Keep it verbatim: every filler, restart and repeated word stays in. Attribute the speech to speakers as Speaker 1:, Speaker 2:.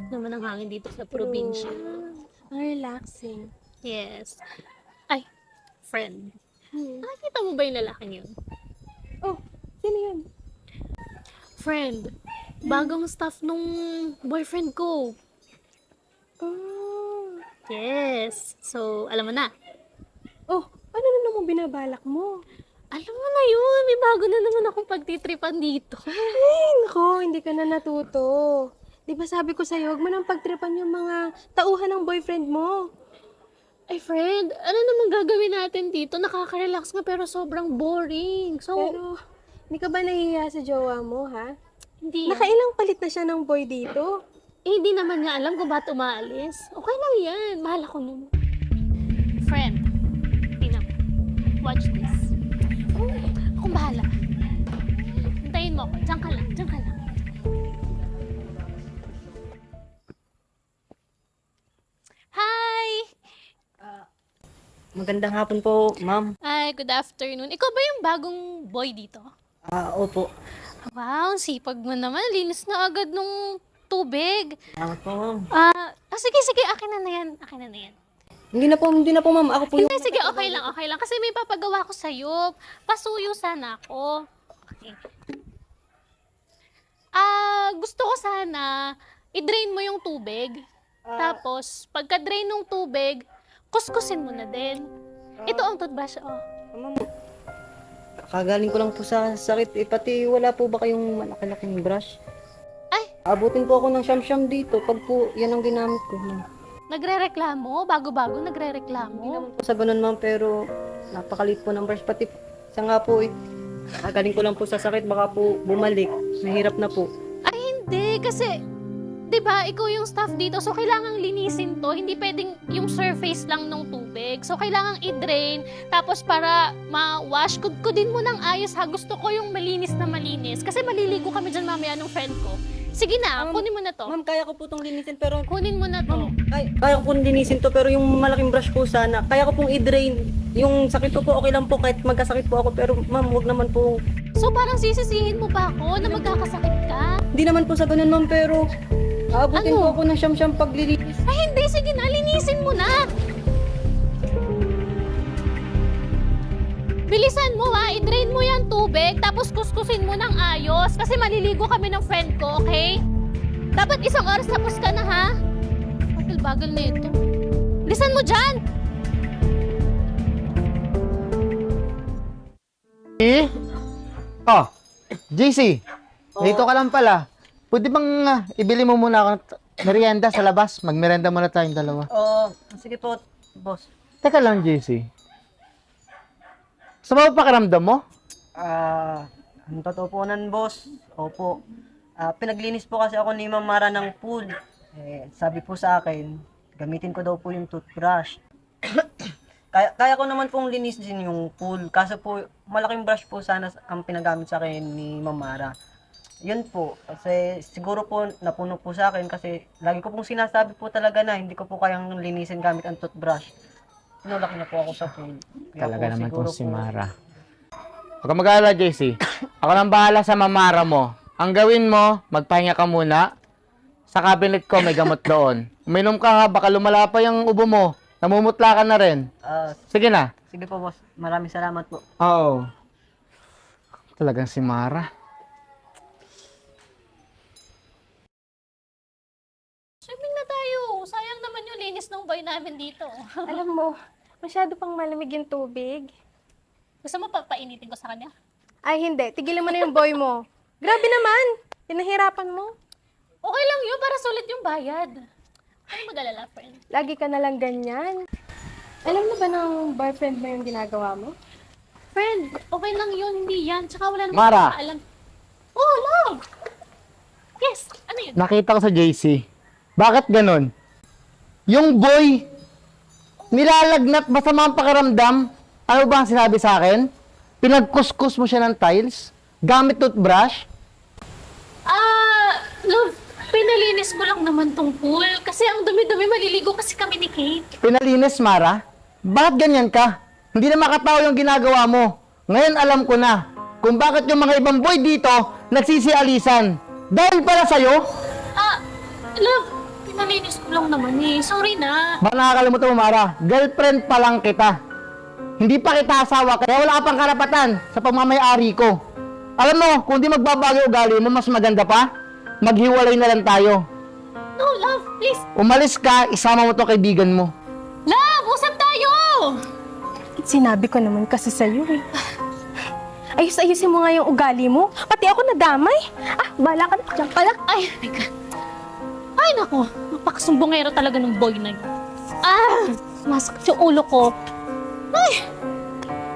Speaker 1: naman ang hangin dito sa probinsya.
Speaker 2: Ang relaxing.
Speaker 1: Yes. Ay, friend.
Speaker 2: Hmm.
Speaker 1: Nakikita mo ba yung lalaking yun?
Speaker 2: Oh, sino yun?
Speaker 1: Friend, bagong staff nung boyfriend ko.
Speaker 2: Oh.
Speaker 1: Yes. So, alam mo na.
Speaker 2: Oh, ano na naman binabalak mo?
Speaker 1: Alam mo na yun, may bago na naman akong pagtitripan dito.
Speaker 2: Ay, nako, hindi ka na natuto. Di ba sabi ko sa'yo, huwag mo nang pagtripan yung mga tauhan ng boyfriend mo.
Speaker 1: Ay, friend, ano naman gagawin natin dito? Nakaka-relax nga pero sobrang boring. So,
Speaker 2: Pero, hindi ka ba nahihiya sa jowa mo, ha?
Speaker 1: hindi.
Speaker 2: Nakailang palit na siya ng boy dito.
Speaker 1: Eh, hindi naman nga alam kung ba't umaalis. Okay lang yan. Mahal ako nun. Friend, tingnan mo. Watch this. Oh, akong bahala. Hintayin mo ako. Diyan ka lang. Diyan ka lang. Hi!
Speaker 3: Magandang hapon po, ma'am.
Speaker 1: Ay, good afternoon. Ikaw ba yung bagong boy dito?
Speaker 3: Ah, opo.
Speaker 1: Wow, sipag mo naman. Linis na agad nung tubig.
Speaker 3: Salamat po, ma'am.
Speaker 1: Ah, ah, sige, sige. Akin na na yan. Akin na na yan.
Speaker 3: Hindi na po, hindi na po, ma'am. Ako po yung...
Speaker 1: Hindi, sige, okay lang, okay lang. Kasi may papagawa ko sa'yo. Pasuyo sana ako. Okay. Ah, gusto ko sana i-drain mo yung tubig. Tapos, pagka-drain ng tubig, kuskusin mo na din. Ito ang toothbrush, oh.
Speaker 3: Ma'am, kagaling ko lang po sa sakit. Eh, pati wala po ba kayong malaki-laking brush?
Speaker 1: Ay,
Speaker 3: Abutin po ako ng siyam-siyam dito pag po yan ang ginamit ko, ma'am.
Speaker 1: nagre-reklamo? Bago-bago
Speaker 3: Hindi
Speaker 1: nagre-reklamo?
Speaker 3: naman po sa ganun, ma'am, pero napakalit po ng brush. Pati isa nga po eh. Kagaling ko lang po sa sakit, baka po bumalik. Nahirap na po.
Speaker 1: Ay, hindi. Kasi, di ba, ikaw yung staff dito. So, kailangang linisin to. Hindi pwedeng yung surface lang ng tubig. So, kailangang i-drain. Tapos, para ma-wash, kudkudin mo ng ayos ha. Gusto ko yung malinis na malinis. Kasi maliligo kami dyan mamaya ng friend ko. Sige na,
Speaker 3: Ma'am,
Speaker 1: kunin mo na to.
Speaker 3: Ma'am, kaya ko po itong linisin, pero...
Speaker 1: Kunin mo na to.
Speaker 3: Kaya, kaya ko pong linisin to, pero yung malaking brush po sana, kaya ko pong i-drain. Yung sakit ko po, okay lang po, kahit magkasakit po ako, pero ma'am, huwag naman po.
Speaker 1: So, parang sisisihin mo pa ako na magkakasakit ka?
Speaker 3: Hindi naman po sa ganun, ma'am, pero aabutin
Speaker 1: Ano?
Speaker 3: po ako ng siyam-siyam paglilinis.
Speaker 1: Ay, hindi. Sige na, linisin mo na. Bilisan mo ha, i-drain mo yung tubig, tapos kuskusin mo ng ayos. Kasi maliligo kami ng friend ko, okay? Dapat isang oras tapos ka na ha. Bagal-bagal na ito. Bilisan mo dyan!
Speaker 4: Eh? Oh, J C, dito ka lang pala. Pwede bang ah, ibili mo muna ako ng t- merienda sa labas? Magmerienda muna tayong dalawa.
Speaker 3: Oo, sige po, boss.
Speaker 4: Teka lang, J C. Sa mga pakiramdam mo?
Speaker 3: Ah, ang totoo po nan, boss. Opo. Ah, pinaglinis po kasi ako ni Ma'am Mara ng pool. Eh, sabi po sa akin, gamitin ko daw po yung toothbrush. kaya, kaya ko naman pong linisin yung pool. Kaso po, malaking brush po sana ang pinagamit sa akin ni Ma'am Mara. Yun po. Kasi siguro po napuno po sa akin kasi lagi ko pong sinasabi po talaga na hindi ko po kayang linisin gamit ang toothbrush. Tinulak na po ako sa pool. Kaya
Speaker 4: Talaga
Speaker 3: po,
Speaker 4: naman
Speaker 3: siguro
Speaker 4: tong si
Speaker 3: po-
Speaker 4: Mara. Huwag kang mag-alala, J C. Ako lang bahala sa mamara mo. Ang gawin mo, magpahinga ka muna. Sa cabinet ko, may gamot doon. Uminom ka ha, baka lumala pa yung ubo mo. Namumutla ka na rin.
Speaker 3: Ah,
Speaker 4: Sige na.
Speaker 3: sige po, boss. Maraming salamat po.
Speaker 4: Oo. Talagang si Mara.
Speaker 1: Swimming na tayo. Sayang naman yung linis ng boy namin dito.
Speaker 2: Alam mo, masyado pang malamig yung tubig.
Speaker 1: Gusto mo pa painitin ko sa kanya?
Speaker 2: Ay, hindi. Tigilan mo na yung boy mo. Grabe naman. Pinahirapan mo.
Speaker 1: Okay lang yun, para sulit yung bayad. Ano mag-alala, friend?
Speaker 2: Lagi ka na lang ganyan. Alam mo ba ng boyfriend mo yung ginagawa mo?
Speaker 1: Friend, okay lang yun, hindi yan. Tsaka wala naman
Speaker 4: Mara.
Speaker 1: alam. Oh, love! Yes, ano yun?
Speaker 4: Nakita ko sa J C. Bakit ganun? Yung boy, nilalagnat, masama ang pakiramdam. Ano ba ang sinabi sa akin? Pinagkuskus mo siya ng tiles? Gamit toothbrush?
Speaker 1: Ah, love, pinalinis ko lang naman tong pool. Kasi ang dumi-dumi, maliligo kasi kami ni Kate.
Speaker 4: Pinalinis, Mara? Bakit ganyan ka? Hindi na makatao yung ginagawa mo. Ngayon alam ko na kung bakit yung mga ibang boy dito nagsisialisan. Dahil pala sa'yo,
Speaker 1: Ah, love, Nalinis ko lang naman eh. Sorry na.
Speaker 4: Baka nakakalimutan mo, Mara, girlfriend pa lang kita. Hindi pa kita asawa, kaya wala ka pang karapatan sa pagmamayari ko. Alam mo, kung di magbabago ugali mo, mas maganda pa, maghiwalay na lang tayo.
Speaker 1: No, love, please.
Speaker 4: Umalis ka, isama mo to kaibigan mo.
Speaker 1: Love, usap tayo!
Speaker 2: Sinabi ko naman kasi sa'yo eh. Ayos-ayusin mo nga yung ugali mo. Pati ako nadamay. Ah, bala ka na. Diyan ka lang.
Speaker 1: Ay, oh my God. Ay, nako. Napakasumbongero talaga ng boy na yun. Ah, sumasakit yung ulo ko. Ay,